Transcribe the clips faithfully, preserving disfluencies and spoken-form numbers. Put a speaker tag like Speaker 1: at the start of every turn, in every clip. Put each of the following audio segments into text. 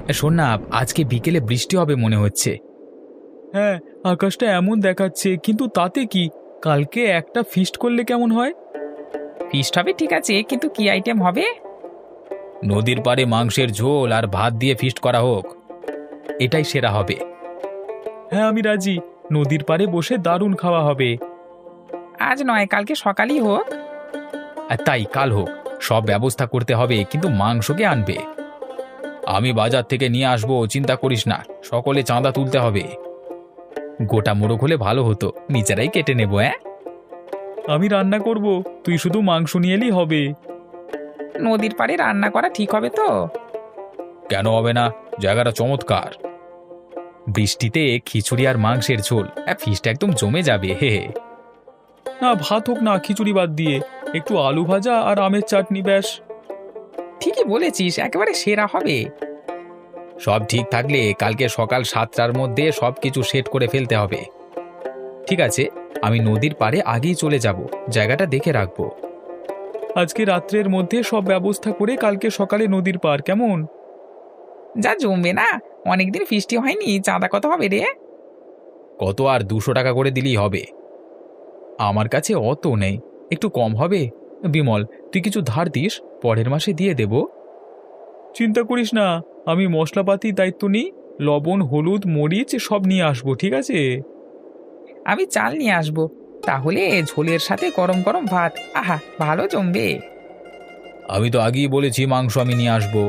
Speaker 1: শোন না, আজকে বিকেলে বৃষ্টি হবে মনে হচ্ছে। হ্যাঁ, আকাশটা এমন দেখাচ্ছে, কিন্তু তাতে কি, কালকে একটা ফিস্ট করলে কেমন হয়?
Speaker 2: ফিস্ট হবে ঠিক আছে, কিন্তু কি আইটেম হবে?
Speaker 1: নদীর পাড়ে মাংসের ঝোল আর ভাত দিয়ে ফিস্ট করা হোক, এটাই সেরা হবে। হ্যাঁ, আমি রাজি। নদীর পাড়ে বসে দারুণ খাওয়া হবে।
Speaker 2: আজ নয়, কালকে সকালই হোক।
Speaker 1: আর তাই কাল হোক, সব ব্যবস্থা করতে হবে, কিন্তু মাংসকে আনবে। আমি বাজার থেকে নিয়ে আসবো, চিন্তা করিস না। সকলে চাঁদা তুলতে হবে। গোটা মোড়ক হলে ভালো হতো, নিজেরাই কেটে নেবো। হ্যাঁ, আমি রান্না করব, তুই শুধু মাংস নিয়ে এলেই হবে।
Speaker 2: নদীর পাড়ে রান্না করা ঠিক হবে তো?
Speaker 1: কেন হবে না, জায়গাটা চমৎকার। বৃষ্টিতে খিচুড়ি আর মাংসের ঝোল, ফিশটা একদম জমে যাবে। হে হে। না, ভাত হোক না, খিচুড়ি বাদ দিয়ে একটু আলু ভাজা আর আমের চাটনি, ব্যাস।
Speaker 2: ঠিকই বলেছিস, একেবারে সেরা হবে।
Speaker 1: সব ঠিক থাকলে কালকে সকাল সাতটার মধ্যে সব কিছু সেট করে ফেলতে হবে। ঠিক আছে, আমি নদীর পাড়ে আগেই চলে যাব, জায়গাটা দেখে রাখবো। আজকে রাত্রের মধ্যে সব ব্যবস্থা করে কালকে সকালে নদীর পাড়, কেমন?
Speaker 2: যা জমবে না, অনেকদিন ফিস্টি হয়নি। চাঁদা কত হবে রে?
Speaker 1: কত আর দুশো টাকা করে দিলেই হবে। আমার কাছে অত নেই, একটু কম হবে। বিমল, তুই কিছু ধার দিস, পরের মাসে দিয়ে দেব। চিন্তা করিস না, আমি মশলাপাতির দায়িত্ব নিই। লবণ, হলুদ, মরিচ সব নিয়ে আসবো, ঠিক আছে?
Speaker 2: আমি চাল নিয়ে আসবো, তাহলে ঝোলের সাথে গরম গরম ভাত, আহা ভালো জমবে।
Speaker 1: আমি তো আগেই বলেছি মাংস আমি নিয়ে আসবো।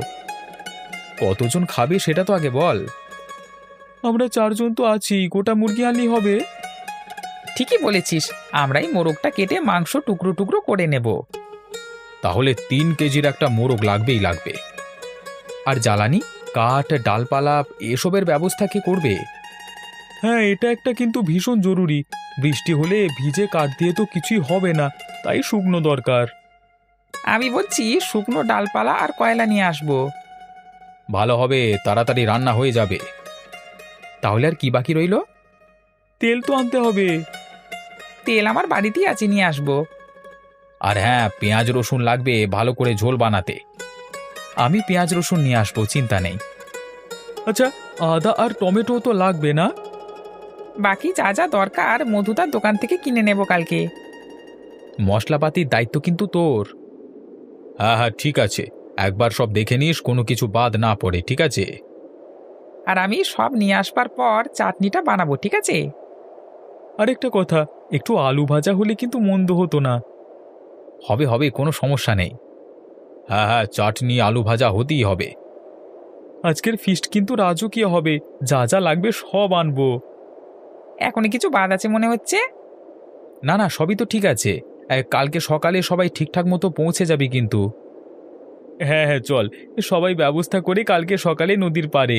Speaker 1: কতজন খাবে সেটা তো আগে বল। আমরা চারজন তো আছি, গোটা মুরগি আনলেই হবে।
Speaker 2: ঠিকই বলেছিস, আমরাই মোরগটা কেটে মাংস টুকরো টুকরো করে নেব।
Speaker 1: তাহলে তিন কেজির একটা মোরগ লাগবেই লাগবে। আর জ্বালানি, কাঠ, ডালপালা এসবের ব্যবস্থা কি করবে? হ্যাঁ, এটা একটা কিন্তু ভীষণ জরুরি। বৃষ্টি হলে ভিজে কাঠ দিয়ে তো কিছুই হবে না, তাই শুকনো দরকার।
Speaker 2: আমি বলছি শুকনো ডালপালা আর কয়লা নিয়ে আসবো।
Speaker 1: ভালো হবে, তাড়াতাড়ি রান্না হয়ে যাবে। তাহলে আর কি বাকি রইল? তেল তো আনতে হবে।
Speaker 2: তেল আমার বাড়িতেই আছে, নিয়ে আসবো।
Speaker 1: আর হ্যাঁ, পেঁয়াজ রসুন লাগবে ভালো করে ঝোল বানাতে। আমি পেঁয়াজ রসুন নিয়ে আসবো, চিন্তা নেই। আচ্ছা, আদা আর টমেটো তো লাগবে না?
Speaker 2: বাকি যা যা দরকার মধুদার দোকান থেকে কিনে নেব কালকে।
Speaker 1: মশলাপাতির দায়িত্ব কিন্তু তোর। হ্যাঁ হ্যাঁ, ঠিক আছে। একবার সব দেখে নিস, কোনো কিছু বাদ না পড়ে, ঠিক আছে?
Speaker 2: আর আমি সব নিয়ে আসবার পর চাটনিটা বানাবো, ঠিক আছে?
Speaker 1: আরেকটা কথা, একটু আলু ভাজা হলে কিন্তু মন্দ হতো না। হবে হবে, কোনো সমস্যা নেই। হ্যাঁ হ্যাঁ, চাটনি আলু ভাজা হতেই হবে। আজকের ফিস্ট কিন্তু রাজকীয় হবে, যা যা লাগবে সব আনবো।
Speaker 2: এখনই কিছু বাদ আছে মনে হচ্ছে।
Speaker 1: না না, সবই তো ঠিক আছে। এ, কালকে সকালে সবাই ঠিকঠাক মতো পৌঁছে যাবে কিন্তু। হ্যাঁ হ্যাঁ, চল সবাই ব্যবস্থা করে কালকে সকালে নদীর পাড়ে।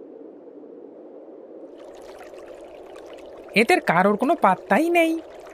Speaker 2: এদের কারোর কোনো পাত্তাই নেই।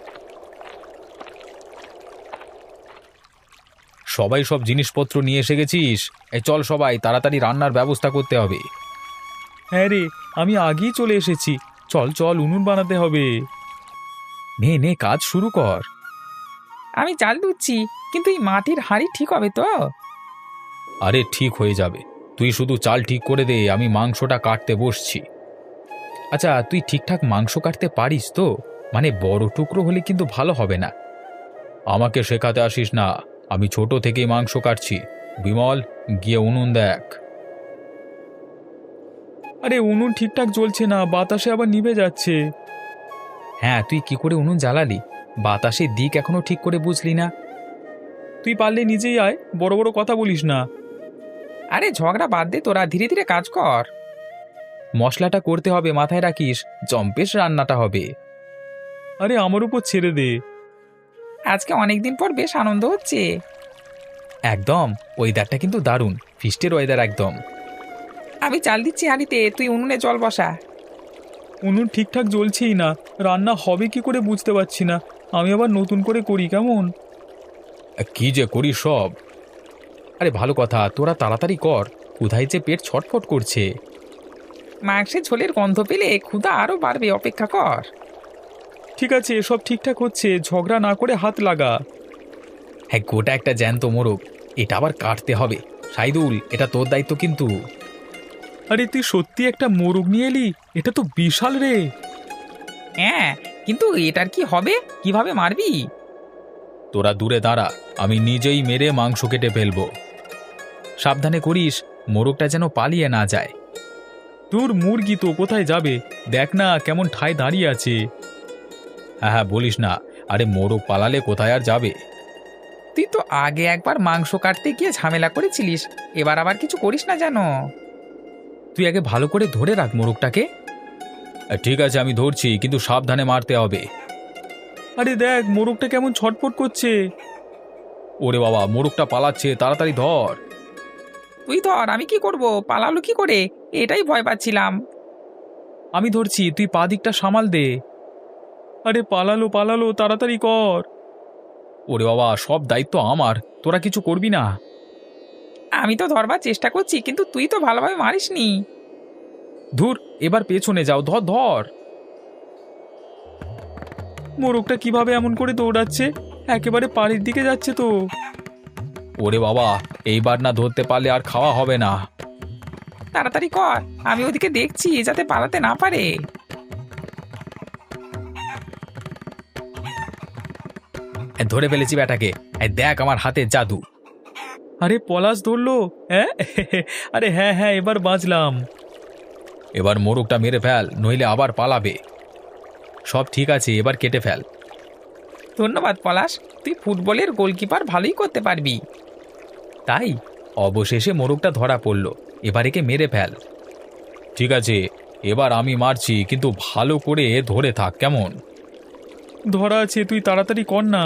Speaker 1: সবাই সব জিনিসপত্র নিয়ে এসে গেছিস? এ চল, সবাই তাড়াতাড়ি রান্নার ব্যবস্থা করতে হবে। হ্যাঁ রে, আমি আগেই চলে এসেছি। চল চল, উনুন বানাতে হবে। নে নে, কাজ শুরু কর।
Speaker 2: আমি চাল ধুচ্ছি, কিন্তু এই মাটির হাঁড়ি ঠিক হবে তো?
Speaker 1: আরে ঠিক হয়ে যাবে, তুই শুধু চাল ঠিক করে দে, আমি মাংসটা কাটতে বসছি। আচ্ছা, তুই ঠিকঠাক মাংস কাটতে পারিস তো? মানে বড় টুকরো হলে কিন্তু ভালো হবে না। আমাকে শেখাতে আসিস না, আমি ছোট থেকেই মাংস কাটছি। বিমল, গিয়ে উনুন দেখ। আরে উনুন ঠিকঠাক জ্বলছে না, বাতাসে আবার নিভে যাচ্ছে। হ্যাঁ, তুই কি করে উনুন জ্বালালি? বাতাসের দিক এখনো ঠিক করে বুঝলি না। তুই পারলে নিজেই আয়, বড় বড় কথা বলিস না।
Speaker 2: আরে ঝগড়া বাদ দে, তোরা ধীরে ধীরে কাজ কর।
Speaker 1: মশলাটা করতে হবে, মাথায় রাখিস, জম্পেশ রান্নাটা হবে। আরে আমার উপর ছেড়ে দে।
Speaker 2: আজকে অনেকদিন পর বেশ আনন্দ হচ্ছে।
Speaker 1: একদম, ওয়েদারটা কিন্তু দারুণ, ফিস্টের ওয়েদার একদম।
Speaker 2: আমি চাল দিচ্ছি হাঁড়িতে, তুই উনুনে জল বসা।
Speaker 1: উনুন ঠিকঠাক জ্বলছেই না, রান্না হবে কি করে বুঝতে পারছি না। আমি আবার নতুন করে করি, কেমন? কি যে করি সব। আরে ভালো কথা, তোরা তাড়াতাড়ি কর, কোথায় যে পেট ছটফট করছে।
Speaker 2: মাংসের ঝোলের গন্ধ পেলে ক্ষুধা আরো বাড়বে, অপেক্ষা কর।
Speaker 1: ঠিক আছে, সব ঠিকঠাক হচ্ছে, ঝগড়া না করে হাত লাগা। হ্যাঁ, গোটা একটা জ্যান্ত মোরগ, এটা আবার কাটতে হবে। সাইদুল, এটা তোর দায়িত্ব কিন্তু। আরে তুই সত্যি একটা মোরগ নিয়ে এলি, এটা তো বিশাল রে।
Speaker 2: হ্যাঁ, কিন্তু এটার কি হবে? কিভাবে মারবি?
Speaker 1: তোরা দূরে দাঁড়া, আমি নিজেই মেরে মাংস কেটে ফেলবো। সাবধানে করিস, মোরগটা যেন পালিয়ে না যায়। তোর মুরগি তো কোথায় যাবে, দেখ না কেমন ঠায় দাঁড়িয়ে আছে। হ্যাঁ হ্যাঁ, বলিস না, আরে মোরগ পালালে কোথায় আর যাবে।
Speaker 2: তুই তো আগে একবার মাংস কাটতে গিয়ে ঝামেলা করেছিলিস, এবার আবার কিছু করিস না যেন।
Speaker 1: তুই আগে ভালো করে ধরে রাখ মোরগটাকে। ঠিক আছে, আমি ধরছি, কিন্তু সাবধানে মারতে হবে। আরে দেখ মোরগটা কেমন ছটফট করছে। ওরে বাবা, মোরগটা পালাচ্ছে, তাড়াতাড়ি ধর।
Speaker 2: তুই ধর, আমি কি করব? পালালো কি করে? এটাই ভয় পাচ্ছিলাম।
Speaker 1: আমি ধরছি, তুই পা দিকটা সামাল দে। আরে পালালো পালালো, তাড়াতাড়ি কর। ওরে বাবা, সব দায়িত্ব আমার, তোরা কিছু করবি না?
Speaker 2: আমি তো ধরবার চেষ্টা করছি, কিন্তু তুই তো ভালোভাবে মারিসনি।
Speaker 1: ধুর, এবার পেছনে যাও, ধর ধর। মোরগটা কিভাবে এমন করে দৌড়াচ্ছে, একেবারে পাড়ির দিকে যাচ্ছে তো। ওরে বাবা, এইবার না ধরতে পারলে আর খাওয়া হবে না।
Speaker 2: তাড়াতাড়ি কর, আমি ওদিকে দেখছি যাতে পালাতে না পারে।
Speaker 1: ধরে ফেলেছি ব্যাটাকে, এই দেখ আমার হাতে জাদু। আরে পলাশ ধরলো, হ্যাঁ আরে হ্যাঁ হ্যাঁ, এবার বাঁচলাম। এবার মোরগটা মেরে ফেল, নইলে আবার পালাবে। সব ঠিক আছে, এবার কেটে ফেল।
Speaker 2: ধন্যবাদ পলাশ, তুই ফুটবলের গোলকিপার ভালোই করতে পারবি।
Speaker 1: তাই অবশেষে মোরগটা ধরা পড়ল, এবার একে মেরে ফেল। ঠিক আছে, এবার আমি মারছি, কিন্তু ভালো করে ধরে থাক, কেমন? ধরা আছে, তুই তাড়াতাড়ি কর না।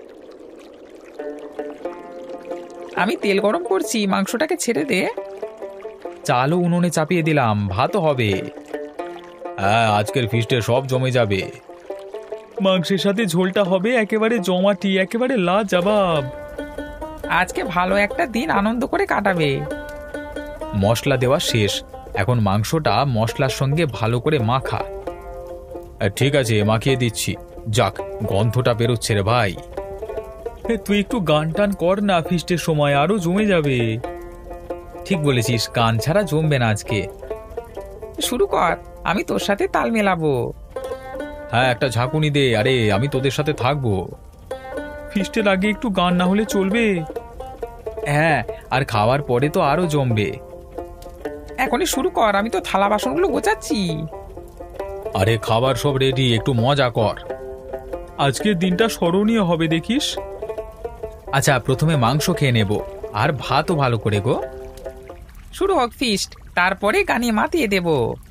Speaker 2: আমি তেল গরম করছি, মাংসটাকে ছেড়ে দে।
Speaker 1: চালও উনুনে চাপিয়ে দিলাম, ভাতও হবে। হ্যাঁ, আজকের ফিস্টে সব জমে যাবে। মাংসের সাথে ঝোলটা হবে একেবারে জমাটি, একেবারে লাজবাব।
Speaker 2: আজকে ভালো একটা দিন আনন্দ করে কাটাবে।
Speaker 1: মশলা দেওয়া শেষ, এখন মাংসটা মশলার সঙ্গে ভালো করে মাখা। ঠিক আছে, মাখিয়ে দিচ্ছি। যাক, গন্ধটা বেরোচ্ছে রে ভাই। তুই একটু গান টান কর না, ফিস্টের সময় আরো জমে যাবে। ঠিক বলেছিস, গান ছাড়া জমবে না আজকে।
Speaker 2: শুরু কর, আমি তোর সাথে তাল মেলাবো।
Speaker 1: হ্যাঁ, একটা ঝাঁকুনি দে, আরে আমি তোদের সাথে থাকবো। ফিস্টের আগে একটু গান না হলে চলবে? হ্যাঁ, আর খাওয়ার পরে তো আরো জমবে।
Speaker 2: এখনই শুরু কর, আমি তো থালা বাসনগুলো গোছাচ্ছি।
Speaker 1: আরে খাবার সব রেডি, একটু মজা কর। আজকের দিনটা স্মরণীয় হবে দেখিস। আচ্ছা, প্রথমে মাংস খেয়ে নেব, আর ভাতও ভালো করে গো।
Speaker 2: শুরু হোক ফিস্ট, তারপরে গানে মাতিয়ে দেব।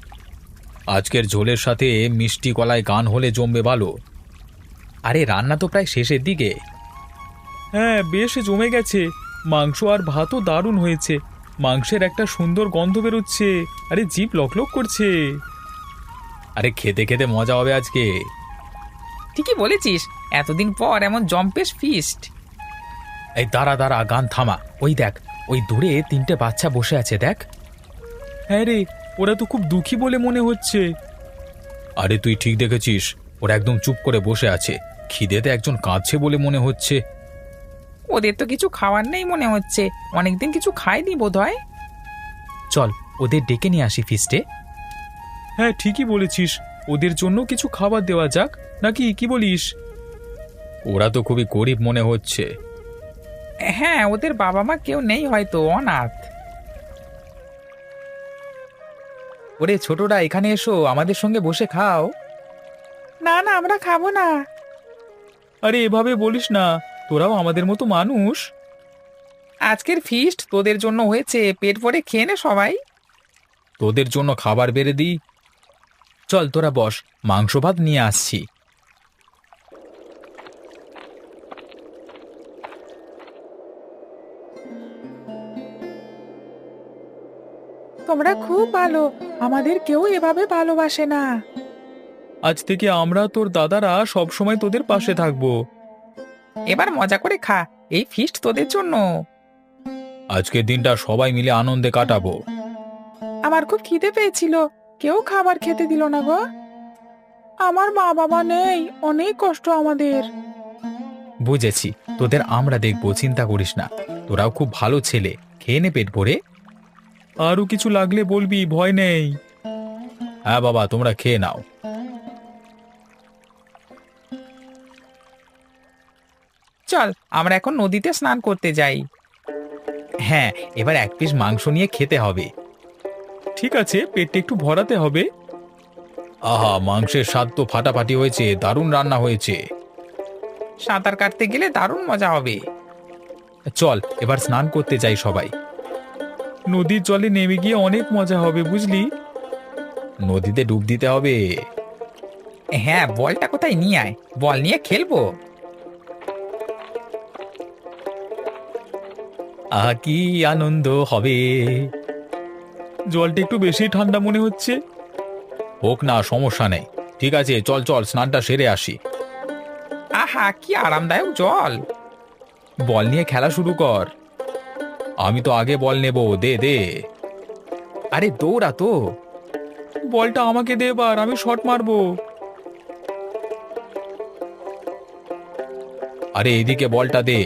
Speaker 1: আজকের ঝোলের সাথে মিষ্টি কলায় গান হলে জমবে ভালো। আরে রান্না তো প্রায় শেষের দিকে। হ্যাঁ, বেশ জমে গেছে, মাংস আর ভাতও দারুণ হয়েছে। মাংসের একটা সুন্দর গন্ধ বেরোচ্ছে, আরে জিভ লকলক করছে। আরে খেতে খেতে মজা হবে আজকে।
Speaker 2: ঠিকই বলেছিস, এতদিন পর এমন জম্পেশ ফিস্ট।
Speaker 1: এই দাঁড়া দাঁড়া, গান থামা। ওই দেখ, ওই দূরে তিনটে বাচ্চা বসে আছে, দেখ। হ্যাঁ রে, ওরা তো খুব দুঃখী বলে মনে হচ্ছে। আরে তুই ঠিক দেখেছিস, ওরা একদম চুপ করে বসে আছে, খিদেতে একজন কাঁদছে বলে মনে হচ্ছে।
Speaker 2: ওদের তো কিছু খাওয়ার নেই মনে হচ্ছে, অনেকদিন কিছু খায়নি বোধহয়।
Speaker 1: চল ওদের ডেকে নিয়ে আসি ফিস্টে। হ্যাঁ, ঠিকই বলেছিস, ওদের জন্য কিছু খাবার দেওয়া যাক, নাকি কি বলিস? ওরা তো খুবই গরিব মনে হচ্ছে।
Speaker 2: হ্যাঁ, ওদের বাবা মা কেউ নেই, হয়তো অনাথ।
Speaker 1: ওরে ছোটরা, এখানে এসো, আমাদের সঙ্গে বসে খাও।
Speaker 2: না না, আমরা খাবো না।
Speaker 1: আরে এভাবে বলিস না, তোরাও আমাদের মতো মানুষ।
Speaker 2: আজকের ফিস্ট তোদের জন্য হয়েছে, পেট ভরে খেয়ে নে সবাই।
Speaker 1: তোদের জন্য খাবার বেড়ে দিই। চল তোরা বস, মাংস ভাত নিয়ে আসছি।
Speaker 2: তোমরা খুব ভালো, আমাদের কেউ এভাবে ভালোবাসে না।
Speaker 1: আজ থেকে আমরা তোর দাদারা সব সময় তোদের পাশে থাকবো।
Speaker 2: এবার মজা করে খা, এই ফিস্ট তোদের জন্য।
Speaker 1: আজকের দিনটা সবাই মিলে আনন্দে কাটাবো।
Speaker 2: আমার খুব খিদে পেয়েছিল, কেউ খাবার খেতে দিল না গো। আমার মা বাবা নেই, অনেক কষ্ট আমাদের।
Speaker 1: বুঝেছি, তোদের আমরা দেখবো, চিন্তা করিস না। তোরাও খুব ভালো ছেলে, খেয়ে নে পেট ভরে। আরও কিছু লাগলে বলবি, ভয় নেই। হ্যাঁ বাবা, তোমরা খেয়ে নাও।
Speaker 2: চল আমরা এখন নদীতে স্নান করতে যাই।
Speaker 1: হ্যাঁ, এবার এক পিস মাংস নিয়ে খেতে হবে। ঠিক আছে, পেটটা একটু ভরাতে হবে। আহা, মাংসের স্বাদ তো ফাটাফাটি হয়েছে, দারুণ রান্না হয়েছে।
Speaker 2: সাঁতার কাটতে গেলে দারুণ মজা হবে।
Speaker 1: চল এবার স্নান করতে যাই সবাই। নদীর জলে নেমে গিয়ে অনেক মজা হবে, বুঝলি? নদীতে ডুব দিতে হবে।
Speaker 2: হ্যাঁ, বলটা কোথায় নিয়ে আয়, বল নিয়ে খেলবো।
Speaker 1: আহা, কি আনন্দ হবে। জলটা একটু বেশি ঠান্ডা মনে হচ্ছে। হোক না, সমস্যা নেই। ঠিক আছে, চল চল স্নানটা সেরে আসি।
Speaker 2: আহা, কি আরামদায়ক জল।
Speaker 1: বল নিয়ে খেলা শুরু কর। আমি তো আগে বল নেব, দে দে। আরে দৌড়া তো। বলটা আমাকে দে এবার, আমি শট মারবো। আরে এদিকে বলটা দে।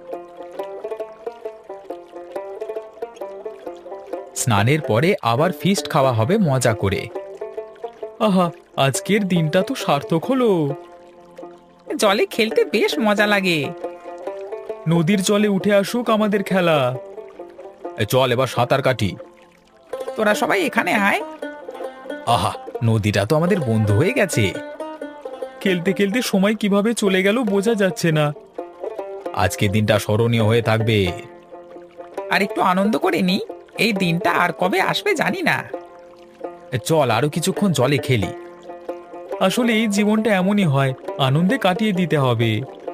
Speaker 1: স্নানের পরে আবার ফিস্ট খাওয়া হবে মজা করে। আহা, আজকের দিনটা তো সার্থক হলো।
Speaker 2: জলে খেলতে বেশ মজা লাগে।
Speaker 1: নদীর জলে উঠে আসুক আমাদের খেলা। এ, চল এবার সাঁতার কাটি।
Speaker 2: তোরা সবাই এখানে আয়।
Speaker 1: আহা, নদীটা তো আমাদের বন্ধু হয়ে গেছে। খেলতে খেলতে সময় কিভাবে চলে গেল বোঝা যাচ্ছে না। আজকের দিনটা স্মরণীয় হয়ে থাকবে।
Speaker 2: আর একটু আনন্দ করে নি, এই দিনটা আর কবে আসবে জানি না।
Speaker 1: এ, চল আরো কিছুক্ষণ জলে খেলি। আসলে এই জীবনটা এমনই হয়, আনন্দে কাটিয়ে দিতে হবে।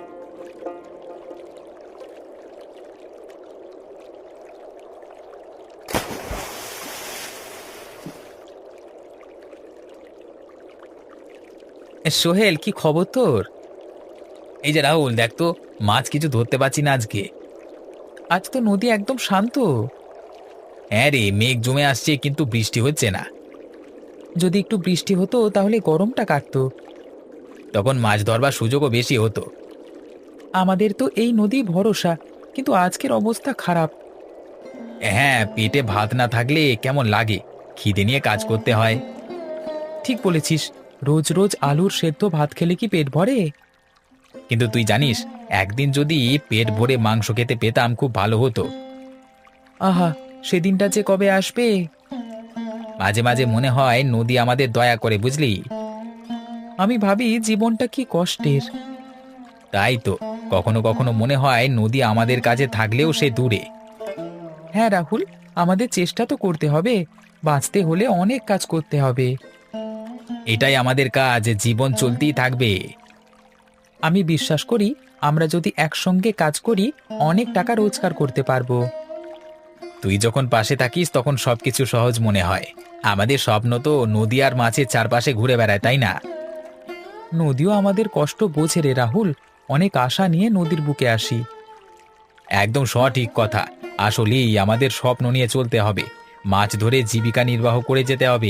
Speaker 2: এ, সোহেল, কি খবর তোর?
Speaker 1: এই যে রাহুল, দেখ তো, মাছ কিছু ধরতে পারছি না আজকে।
Speaker 2: আজ তো নদী একদম শান্ত।
Speaker 1: হ্যাঁ রে, মেঘ জমে আসছে কিন্তু বৃষ্টি হচ্ছে না।
Speaker 2: যদি একটু বৃষ্টি হতো তাহলে গরমটা কাটতো।
Speaker 1: তখন মাছ ধরবার সুযোগও বেশি হতো।
Speaker 2: আমাদের তো এই নদী ভরসা, কিন্তু আজকের অবস্থা খারাপ।
Speaker 1: হ্যাঁ, পেটে ভাত না থাকলে কেমন লাগে, খিদে নিয়ে কাজ করতে হয়।
Speaker 2: ঠিক বলেছিস, রোজ রোজ আলুর সেদ্ধ ভাত খেলে কি পেট ভরে?
Speaker 1: কিন্তু তুই জানিস, একদিন যদি পেট ভরে মাংস খেতে পেতাম খুব ভালো হতো।
Speaker 2: আহা, সেদিনটা যে কবে আসবে।
Speaker 1: মাঝে মাঝে মনে হয় নদী আমাদের দয়া করে, বুঝলি?
Speaker 2: আমি ভাবি জীবনটা কি কষ্টের।
Speaker 1: তাই তো, কখনো কখনো মনে হয় নদী আমাদের কাছে থাকলেও সে দূরে।
Speaker 2: হ্যাঁ রাহুল, আমাদের চেষ্টা তো করতে হবে, বাঁচতে হলে অনেক কাজ করতে হবে।
Speaker 1: এটাই আমাদের কাজ, জীবন চলতেই থাকবে।
Speaker 2: আমি বিশ্বাস করি আমরা যদি একসঙ্গে কাজ করি অনেক টাকা রোজগার করতে পারবো।
Speaker 1: তুই যখন পাশে থাকিস তখন সবকিছু সহজ মনে হয়। আমাদের স্বপ্ন তো নদী আর মাছের চারপাশে ঘুরে বেড়ায়, তাই না?
Speaker 2: নদীও আমাদের কষ্ট বোঝে রে রাহুল, অনেক আশা নিয়ে নদীর বুকে আসি।
Speaker 1: একদম সঠিক কথা। আসলেই আমাদের স্বপ্ন নিয়ে চলতে হবে, মাছ ধরে জীবিকা নির্বাহ করে যেতে হবে।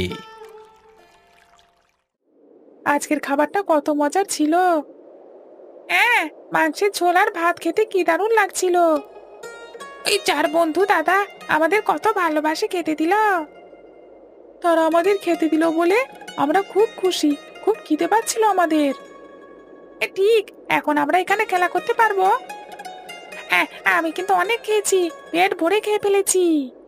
Speaker 2: আজকের খাবারটা কত মজার ছিল। হ্যাঁ, মাংসের ঝোল আর ভাত খেতে কি দারুণ লাগছিল। এই চার বন্ধু দাদা আমাদের কত ভালোবাসে খেতে দিল। তারা আমাদের খেতে দিল বলে আমরা খুব খুশি, খুব খিদে পাচ্ছিল আমাদের। এ ঠিক, এখন আমরা এখানে খেলা করতে পারবো। হ্যাঁ, আমি কিন্তু অনেক খেয়েছি, পেট ভরে খেয়ে ফেলেছি।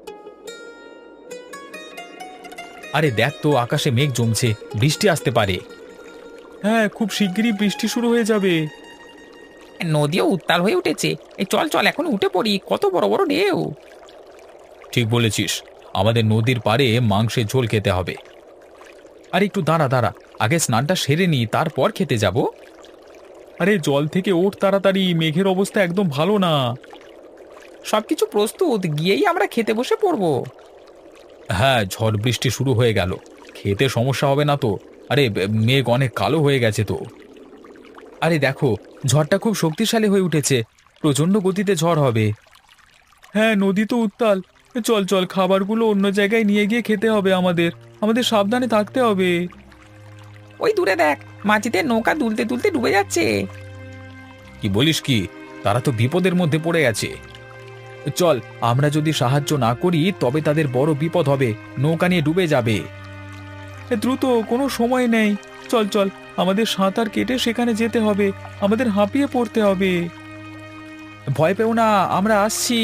Speaker 1: আরে দেখ তো, আকাশে মেঘ জমছে, বৃষ্টি আসতে পারে। হ্যাঁ, খুব শিগগিরই বৃষ্টি শুরু হয়ে যাবে।
Speaker 2: নদীও উত্তাল হয়ে উঠেছে, এই চল চল এখন উঠে পড়ি, কত বড় বড় ঢেউ।
Speaker 1: ঠিক বলেছিস, আমাদের নদীর পাড়ে মাংসের ঝোল খেতে হবে। আর একটু দাঁড়া দাঁড়া, আগে স্নানটা সেরে নি, তারপর খেতে যাব। আরে জল থেকে ওঠ তাড়াতাড়ি, মেঘের অবস্থা একদম ভালো না।
Speaker 2: সবকিছু প্রস্তুত, গিয়েই আমরা খেতে বসে পড়বো।
Speaker 1: হ্যাঁ, ঝড় বৃষ্টি শুরু হয়ে গেল, খেতে সমস্যা হবে না তো? আরে বে- মেঘ অনেক কালো হয়ে গেছে তো। আরে দেখো, ঝড়টা খুব শক্তিশালী হয়ে উঠেছে, প্রচণ্ড গতিতে ঝড় হবে। হ্যাঁ, নদী তো উত্তাল। চল চল, খাবারগুলো অন্য জায়গায় নিয়ে গিয়ে খেতে হবে আমাদের। আমাদের সাবধানে থাকতে হবে।
Speaker 2: ওই দূরে দেখ, মাঝিদের নৌকা দুলতে দুলতে ডুবে যাচ্ছে।
Speaker 1: কি বলিস কি? তারা তো বিপদের মধ্যে পড়ে গেছে। চল, আমরা যদি সাহায্য না করি তবে তাদের বড় বিপদ হবে, নৌকা নিয়ে ডুবে যাবে। দ্রুত, কোনো সময় নেই, চল চল, আমাদের সাঁতার কেটে সেখানে যেতে হবে, আমাদের হাঁপিয়ে পড়তে হবে। ভয় পেও না, আমরা আসছি।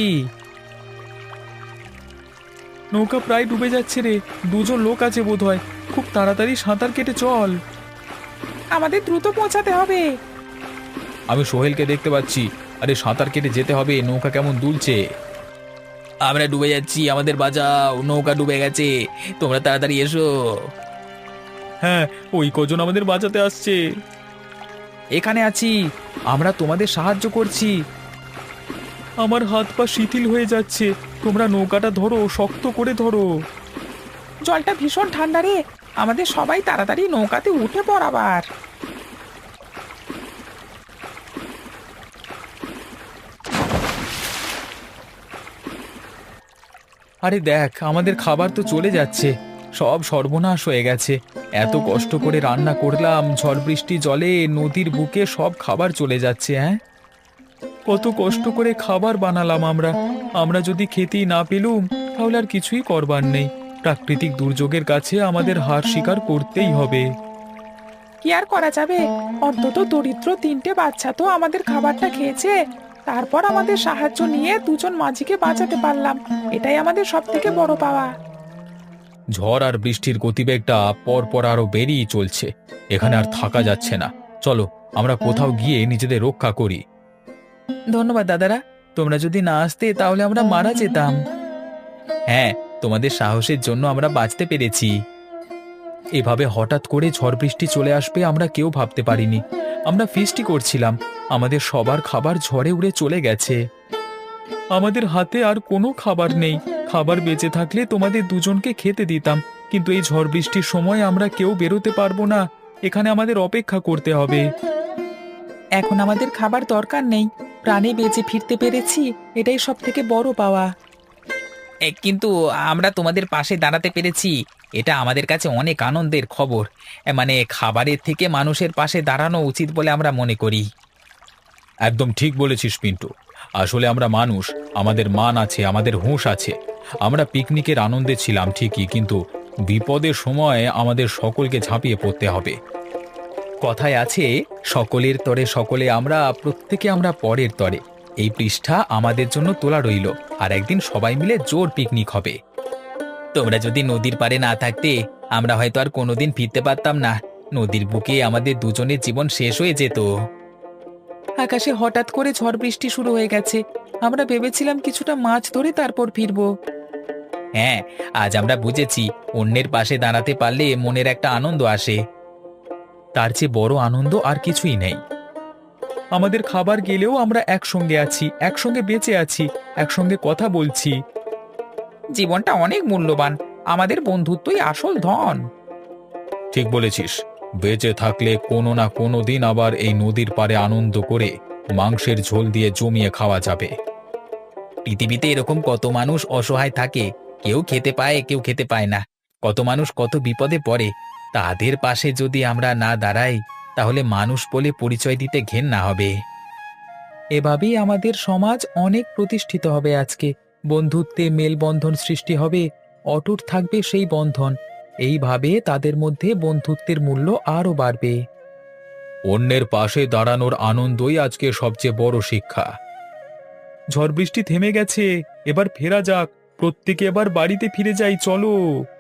Speaker 1: নৌকা প্রায় ডুবে যাচ্ছে রে, দুজন লোক আছে বোধহয়, খুব তাড়াতাড়ি সাঁতার কেটে চল।
Speaker 2: আমাদের দ্রুত পৌঁছাতে হবে।
Speaker 1: আমি সোহেলকে দেখতে পাচ্ছি, আরে সাঁতার কেটে যেতে হবে, নৌকা কেমন দুলছে। আমরা ডুবে যাচ্ছি, আমাদের বাঁচাও, নৌকা ডুবে গেছে, তোমরা তাড়াতাড়ি এসো। হ্যাঁ, ওই কজন আমাদের বাঁচাতে আসছে। এখানে আছি, আমরা তোমাদের সাহায্য করছি। আমার হাত পা শিথিল হয়ে যাচ্ছে, তোমরা নৌকাটা ধরো, শক্ত করে ধরো।
Speaker 2: জলটা ভীষণ ঠান্ডা রে, আমাদের সবাই তাড়াতাড়ি নৌকাতে উঠে পড়াবার।
Speaker 1: আরে দেখ, আমাদের খাবার তো চলে যাচ্ছে, সব সর্বনাশ হয়ে গেছে। এত কষ্ট করে রান্না করলাম, ঝড় বৃষ্টি জলে নদীর বুকে সব খাবার চলে যাচ্ছে। হ্যাঁ, কত কষ্ট করে খাবার বানালাম আমরা, আমরা যদি খেতেই না পেলুম তাহলে আর কিছুই করবার নেই। প্রাকৃতিক দুর্যোগের কাছে আমাদের হার স্বীকার করতেই হবে।
Speaker 2: কি আর করা যাবে, অন্তত দরিদ্র তিনটে বাচ্চা তো আমাদের খাবারটা খেয়েছে, তারপর আমাদের সাহায্য নিয়ে দুজন মাঝিকে বাঁচাতে পারলাম, এটাই আমাদের সব থেকে বড় পাওয়া।
Speaker 1: ঝড় আর বৃষ্টির গতিবেগটা পর পর আরো বেরিয়ে চলছে, এখানে আর থাকা যাচ্ছে না। চলো, আমরা কোথাও গিয়ে নিজেদের রক্ষা করি। ধন্যবাদ দাদারা, তোমরা যদি না আসতে তাহলে আমরা মারা যেতাম। হ্যাঁ, তোমাদের সাহসের জন্য আমরা বাঁচতে পেরেছি। এভাবে হঠাৎ করে ঝড় বৃষ্টি চলে আসবে আমরা কেউ ভাবতে পারিনি। আমরা ফিস্টি করছিলাম, আমাদের সবার খাবার ঝড়ে উড়ে চলে গেছে। আমাদের হাতে আর কোনো খাবার নেই, খাবার বেঁচে থাকলে তোমাদের দুজনকে খেতে দিতাম, কিন্তু এই ঝড় বৃষ্টির সময় আমরা কেউ বেরোতে পারবো না, এখানে আমাদের অপেক্ষা করতে হবে।
Speaker 2: এখন আমাদের খাবার দরকার নেই, প্রাণে বেঁচে ফিরতে পেরেছি, এটাই সব থেকে বড় পাওয়া।
Speaker 3: কিন্তু আমরা তোমাদের পাশে দাঁড়াতে পেরেছি, এটা আমাদের কাছে অনেক আনন্দের খবর। এ, মানে খাবারের থেকে মানুষের পাশে দাঁড়ানো উচিত বলে আমরা মনে করি।
Speaker 1: একদম ঠিক বলেছিস পিন্টু, আসলে আমরা মানুষ, আমাদের মান আছে, আমাদের হুঁশ আছে। আমরা পিকনিকের আনন্দে ছিলাম ঠিকই, কিন্তু বিপদের সময় আমাদের সকলকে ঝাঁপিয়ে পড়তে হবে। কথায় আছে, সকলের তরে সকলে আমরা, প্রত্যেকে আমরা পরের তরে। এই পৃষ্ঠা আমাদের জন্য তোলা রইল, আর একদিন সবাই মিলে জোর পিকনিক হবে।
Speaker 3: তোমরা যদি নদীর পাড়ে না থাকতে আমরা হয়তো আর কোনোদিন ফিরতে পারতাম না, নদীর বুকে আমাদের দুজনের জীবন শেষ হয়ে যেত।
Speaker 2: আকাশে হঠাৎ করে ঝড় বৃষ্টি শুরু হয়ে গেছে, আমরা ভেবেছিলাম কিছুটা মাছ ধরে তারপর ফিরবো।
Speaker 3: হ্যাঁ, আজ আমরা বুঝেছি অন্যের পাশে দাঁড়াতে পারলে মনের একটা আনন্দ আসে।
Speaker 1: তার চেয়ে বড় আনন্দ আর কিছুই নেই। আমাদের খাবার গেলেও আমরা একসঙ্গে আছি, একসঙ্গে বেঁচে আছি, একসঙ্গে কথা বলছি।
Speaker 2: জীবনটা অনেক মূল্যবান, আমাদের বন্ধুত্বই আসল ধন।
Speaker 1: ঠিক বলেছিস, বেঁচে থাকলে কোনো না কোনো দিন আবার এই নদীর পাড়ে আনন্দ করে মাংসের ঝোল দিয়ে জমিয়ে খাওয়া যাবে।
Speaker 3: পৃথিবীতে এরকম কত মানুষ অসহায় থাকে, কেউ খেতে পায়, কেউ খেতে পায় না, কত মানুষ কত বিপদে পড়ে। তাদের পাশে যদি আমরা না দাঁড়াই তাহলে মানুষ বলে পরিচয় দিতে ঘেন্না হবে।
Speaker 2: এভাবেই আমাদের সমাজ অনেক প্রতিষ্ঠিত হবে। আজকে বন্ধুত্বে মেলবন্ধন সৃষ্টি হবে, অটুট থাকবে সেই বন্ধন, এইভাবে তাদের মধ্যে বন্ধুত্বের মূল্য আরও বাড়বে।
Speaker 1: অন্যের পাশে দাঁড়ানোর আনন্দই আজকে সবচেয়ে বড় শিক্ষা। ঝড় বৃষ্টি থেমে গেছে, এবার ফেরা যাক, প্রত্যেকে এবার বাড়িতে ফিরে যাই, চলো।